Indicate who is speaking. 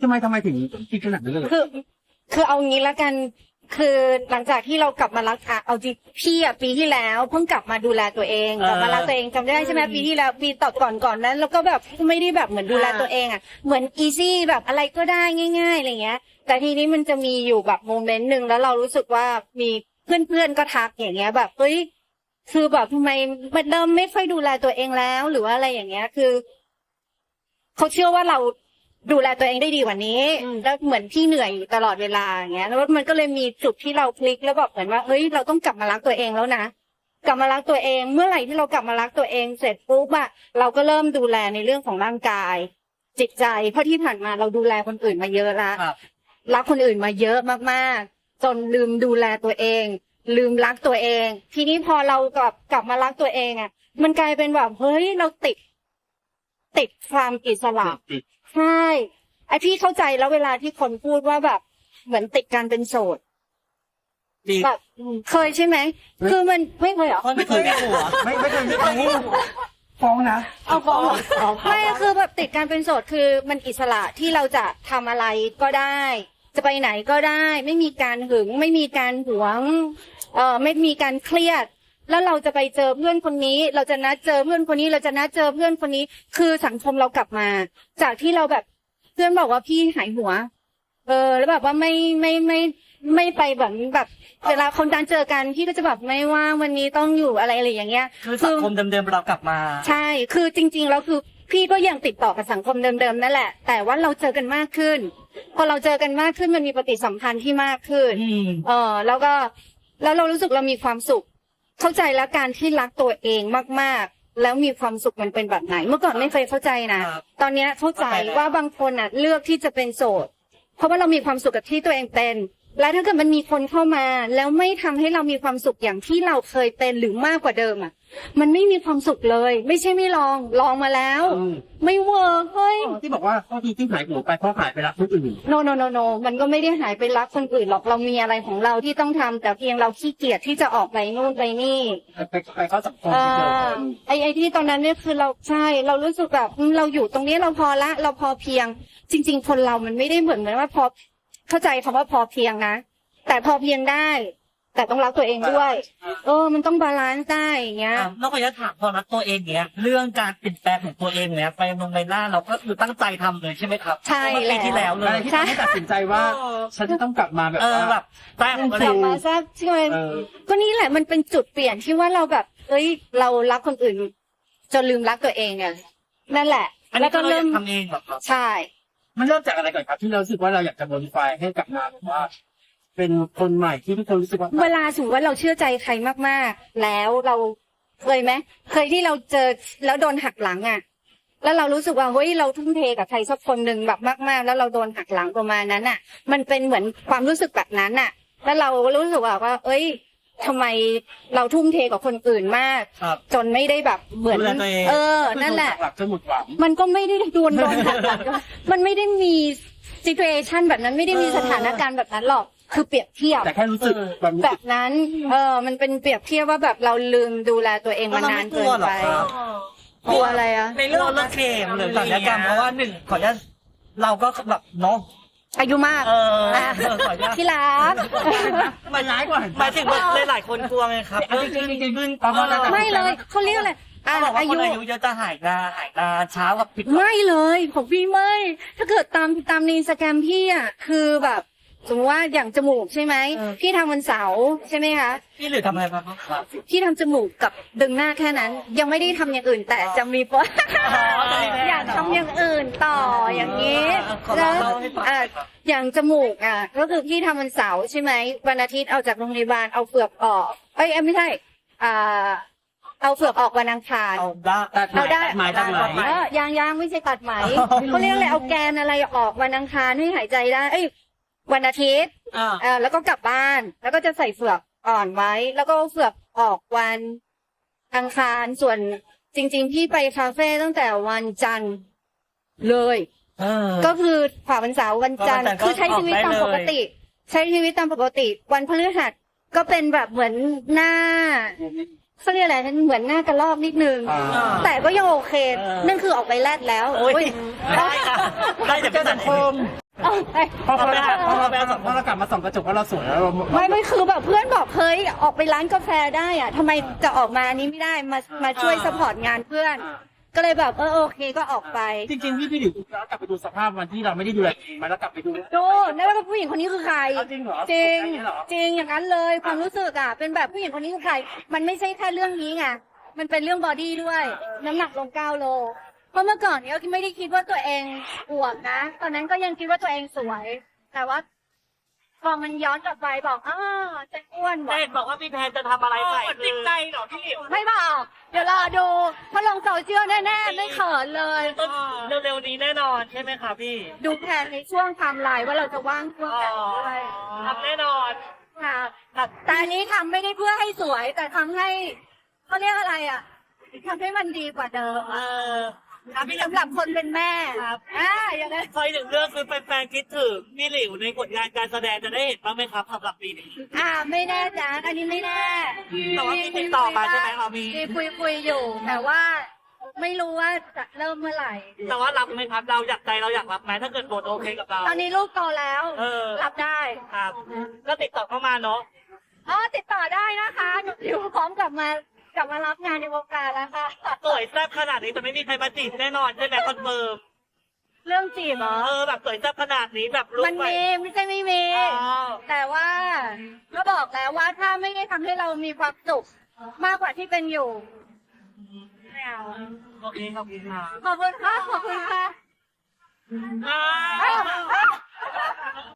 Speaker 1: ทำไมถึงคิดขนาดนั้นเลย
Speaker 2: คือเอางี้ละกันคือหลังจากที่เรากลับมารักเอาจริงพี่อ่ะปีที่แล้วเพิ่งกลับมาดูแลตัวเองกลับมารักตัวเองจำได้ใช่ไหมปีที่แล้วปีต่อก่อนนั้นแล้วก็แบบไม่ได้แบบเหมือนดูแลตัวเองอ่ะเหมือนอีซี่แบบอะไรก็ได้ง่ายๆอะไรเงี้ยแต่ทีนี้มันจะมีอยู่แบบโมเมนต์หนึ่งแล้วเรารู้สึกว่ามีเพื่อนๆก็ทักอย่างเงี้ยแบบเฮ้ยคือแบบทำไมมันเริ่มไม่ค่อยดูแลตัวเองแล้วหรือว่าอะไรอย่างเงี้ยคือเขาเชื่อว่าเราดูแลตัวเองได้ดีกว่านี้แล้วเหมือนพี่เหนื่อยอยู่ตลอดเวลาอย่างเงี้ยแล้วมันก็เลยมีจุดที่เราพลิกแล้วแบบเหมือนว่าเฮ้ยเราต้องกลับมารักตัวเองแล้วนะกลับมารักตัวเองเมื่อไหร่ที่เรากลับมารักตัวเองเสร็จปุ๊บอะเราก็เริ่มดูแลในเรื่องของร่างกายจิตใจเพราะที่ผ่านมาเราดูแลคนอื่นมาเยอะละรักคนอื่นมาเยอะมากๆจนลืมดูแลตัวเองลืมรักตัวเองทีนี้พอเรากลับมารักตัวเองอะมันกลายเป็นแบบเฮ้ยเราติดความอิสระใช่ไอพี่เข้าใจแล้วเวลาที่คนพูดว่าแบบเหมือนติดการเป็นโสดแบบเคยใช่ไหมคือมันไม่เคยเหรอ
Speaker 1: ไม่เคยไม่เคยฟ้องนะ
Speaker 2: เอาฟ้องไม่คือแบบติดการเป็นโสดคือมันอิสระที่เราจะทำอะไรก็ได้จะไปไหนก็ได้ไม่มีการหึงไม่มีการหวงไม่มีการเครียดแล้วเราจะไปเจอเพื่อนคนนี้เราจะนัดเจอเพื่อนคนนี้เราจะนัดเจอเพื่อนคนนี้คือสังคมเรากลับมาจากที่เราแบบเพื่อนบอกว่าพี่หายหัวแล้วแบบว่าไม่ไปแบบเวลาคนการเจอกันพี่ก็จะแบบไม่ว่างวันนี้ต้องอยู่อะไรอย่างเงี้ย
Speaker 3: คือสังคมเดิมๆเรากลับมา
Speaker 2: ใช่คือจริงๆแล้วคือพี่ก็ยังติดต่อกับสังคมเดิมๆนั่นแหละแต่ว่าเราเจอกันมากขึ้นพอเราเจอกันมากขึ้นมันมีปฏิสัมพันธ์ที่มากขึ้นแล้วเรารู้สึกเรามีความสุขเข้าใจแล้วการที่รักตัวเองมากๆแล้วมีความสุขมันเป็นแบบไหนเมื่อก่อนไม่เคยเข้าใจนะตอนนี้เข้าใจว่าบางคนอ่ะเลือกที่จะเป็นโสดเพราะว่าเรามีความสุขกับที่ตัวเองเป็นและถ้าเกิดมันมีคนเข้ามาแล้วไม่ทำให้เรามีความสุขอย่างที่เราเคยเป็นหรือมากกว่าเดิมอ่ะมันไม่มีความสุขเลยไม่ใช่ไม่ลองมาแล้วไม่เวิร์กเฮ้ย
Speaker 1: ที่บอกว่าข้อที่หายหัวไปเพราะหายไปรักคนอื่น
Speaker 2: โนมันก็ไม่ได้หายไปรักคนอื่นหรอกเรามีอะไรของเราที่ต้องทำแต่เพียงเราขี้เกียจที่จะออกไปนู่นไปนี่
Speaker 1: ไปเข้าสังคม
Speaker 2: ไอ้ที่ตอนนั้นเนี่ยคือเราใช่เรารู้สึกแบบเราอยู่ตรงนี้เราพอละเราพอเพียงจริงๆคนเรามันไม่ได้เหมือนว่าพอเข้าใจคำว่าพอเพียงนะแต่พอเพียงได้แต่ต้องรักตัวเองด้วยมันต้องบาลานซ์ได้อย่างเงี้ย
Speaker 3: นอกจากถามพอรักตัวเองเนี้ยเรื่องการเปลี่ยนแปลงของตัวเองเนี้ยไปลงในหน้าเราก็คือตั้งใจทำเลยใช่ไหมครับ
Speaker 2: ใช่
Speaker 3: ปีที่แล้วเลย
Speaker 1: ที่ตัดสินใจว่าฉันจะต้องกลับมาแบบ
Speaker 3: แบบแซ่บ
Speaker 2: กลับมาแซ่บใช่ไหมก็นี่แหละมันเป็นจุดเปลี่ยนที่ว่าเราแบบเรารักคนอื่นจนลืมรักตัวเองเนี่ยนั่นแหละ
Speaker 3: แล้วก็เริ่มทำเองแบบ
Speaker 2: ใช่
Speaker 1: มันเริ่มจากอะไรก่อนครับที่เรารู้สึกว่าเราอยากจะโมดิฟายให้กลับมาว่าเป็นคนใหม่ที่ทุกคนรู้สึกว่า
Speaker 2: เวลาสมมติว่าเราเชื่อใจใครมากๆแล้วเราเคยไหมเคยที่เราเจอแล้วโดนหักหลังอ่ะแล้วเรารู้สึกว่าเฮ้ยเราทุ่มเทกับใครสักคนหนึ่งแบบมากๆแล้วเราโดนหักหลังประมาณนั้นอ่ะมันเป็นเหมือนความรู้สึกแบบนั้นอ่ะแล้วเรารู้สึกว่าทำไมเราทุ่มเทกับคนอื่นมากจนไม่ได้แบบเหมือนนั่นแหละมันก็ไม่ได้โดนหักหลังมันไม่ได้มีsituation แบบนั้นไม่ได้มีสถานการณ์แบบนั้นหรอกคือเปรียบเทียบ
Speaker 1: แต่แค่รู้สึก
Speaker 2: แบบนั้นมันเป็นเปรียบเทียบว่าแบบเราลืมดูแลตัวเองมานานเกินไปกลัวอะไรอะ
Speaker 3: ในเรื่องเคมหรือศัลยกรรมเพราะว่าหนึ่งขออนุญาตเราก็แบบเนาะ
Speaker 2: อายุมากที่รัก
Speaker 3: มันร้ายกว่าหมายถึงหลายคนกลัวไงครับ
Speaker 1: ขึ้น
Speaker 2: ไม่เลยเขาเรียกอะไร
Speaker 3: อายุเยอะจะหายตาเช้ากับผิด
Speaker 2: ไม่เลยของพี่ไม่ถ้าเกิดตามในอินสตาแกรมพี่อ่ะคือแบบสมมติว่าอย่างจมูกใช่ไหมพี่ทำวันเสาร์ใช่ไหมคะ
Speaker 3: พี่หรือทำอะไรบ้างครับ
Speaker 2: พี่ทำจมูกกับดึงหน้าแค่นั้นยังไม่ได้ทำอย่างอื่นแต่จะมีอยากทำอย่างอื่นต่ออย่างนี้แล้วอย่างจมูกก็คือพี่ทำวันเสาร์ใช่ไหมวันอาทิตย์เอาจากโรงพยาบาลเอาเฟือกออกไม่ใช่เอาเฟือกออกวันอังคาร
Speaker 1: เอาได้ไหม
Speaker 2: ยังไม่ใช่ตัดไหมเขาเรียกอะไรเอาแกนอะไรออกวันอังคารให้หายใจได้วันอาทิตย์แล้วก็กลับบ้านแล้วก็จะใส่เฟือกอ่อนไว้แล้วก็เฟือกออกวันอังคารส่วนจริงๆพี่ไปคาเฟ่ตั้งแต่วันจันทร์เลยก็คือผ่าวันเสาร์วันจันทร์คือใช้ชีวิตตามปกติวันพฤหัสก็เป็นแบบเหมือนหน้าเขาเรียกอะไรเหมือนหน้ากระรอกนิดนึงแต่ก็ยังโอเคนั่นคือออกไปแลดแล้ว
Speaker 3: ได้แต่
Speaker 1: สังคมพอเรากลับมาส่องกระจกว่าเราสวยแล้วเรา
Speaker 2: ไม่คือแบบเพื่อนบอกเฮ้ยออกไปร้านกาแฟได้อะทำไมจะออกมานี้ไม่ได้มาช่วยสปอร์ตงานเพื่อน ก็เลยแบบโอเคก็ออกไป
Speaker 1: จริงๆพี่หลิวเรากลับไปดูสภาพวันที่เราไม่ได้ดูแลเองมาแล้วกลับไปดู
Speaker 2: ดูนั่นว่าผู้หญิงคนนี้คือใคร
Speaker 1: จริงเหรอ
Speaker 2: จริง
Speaker 1: เหรอ
Speaker 2: จริงอย่างนั้นเลยความรู้สึกอ่ะเป็นแบบผู้หญิงคนนี้คือใคร มันไม่ใช่แค่เรื่องนี้ไงมันเป็นเรื่องบอดี้ด้วย น้ำหนักลง9 โลเพราะเมื่อก่อนเนี้ยไม่ได้คิดว่าตัวเองอวบนะตอนนั้นก็ยังคิดว่าตัวเองสวย แต่ว่าพอมันย้อนกลับไปบอกจะอ้วน
Speaker 3: แต่เห็นบอกว่าพี่แพนจะทำอะไรใส่ติดใจเหรอพี่หลิว
Speaker 2: ไม่บอกเดี๋ยวรอดูเพราะลงโซเชียลแน่ๆไม่เขินเลย
Speaker 3: ต้นเร็วๆนี้แน่นอนใช่ไหมคะพี่
Speaker 2: ดูแผนในช่วงไทม์ไลน์ว่าเราจะว่างช่วงไหนด้วย
Speaker 3: ทำแน่นอน
Speaker 2: ค่ะแต่อันนี้ทำไม่ได้เพื่อให้สวย แต่ทำให้เขาเรียกอะไรอ่ะทำให้มันดีกว่าเดิม สำหรับคนเป็นแม่
Speaker 3: ครับ
Speaker 2: อย่างนั้น
Speaker 3: คอยหนึ่งเรื่องคือแฟนๆคิดถึงพี่หลิวในผลงานการแสดงจะได้เห็นบ้างไหมครับสำหรับปีนี้
Speaker 2: ไม่แน่จ้ะอันนี้ไม่แน่
Speaker 3: แต่ว่ามีติดต่อมาใช่ไหมมี
Speaker 2: คุยอยู่ แต่ว่าไม่รู้ว่าจะเริ่มเมื่อไหร่
Speaker 3: แต่ว่ารับไหมครับเราอยากใจเราอยากรับไหมถ้าเกิดบทโอเคกับเรา
Speaker 2: ตอนนี้ลูกโตแล้ว รับได้
Speaker 3: ครับ ก็ติดต่อเข้ามาเนาะ
Speaker 2: ติดต่อได้นะคะหนูอยู่พร้อมกลับมารับงานในวงการแล้วค่ะ
Speaker 3: สวยแซ่บขนาดนี้จะไม่มีใครมาจีบแน่นอนใช่ไหมคอนเฟิร์ม
Speaker 2: เรื่องจีบเหรอ
Speaker 3: แบบสวยแซ่บขนาดนี้แบบลุก
Speaker 2: มัน
Speaker 3: ไป
Speaker 2: มีไม่ใช่ไม่มี แต่ว่าก็บอกแล้วว่าถ้าไม่ได้ทำให้เรามีความสุขมากกว่าที่เป็นอยู่ไม่เอา
Speaker 3: โอเคขอบคุณค่ะ
Speaker 2: ขอบคุณค่ะขอบคุณค่ะ
Speaker 3: อ่า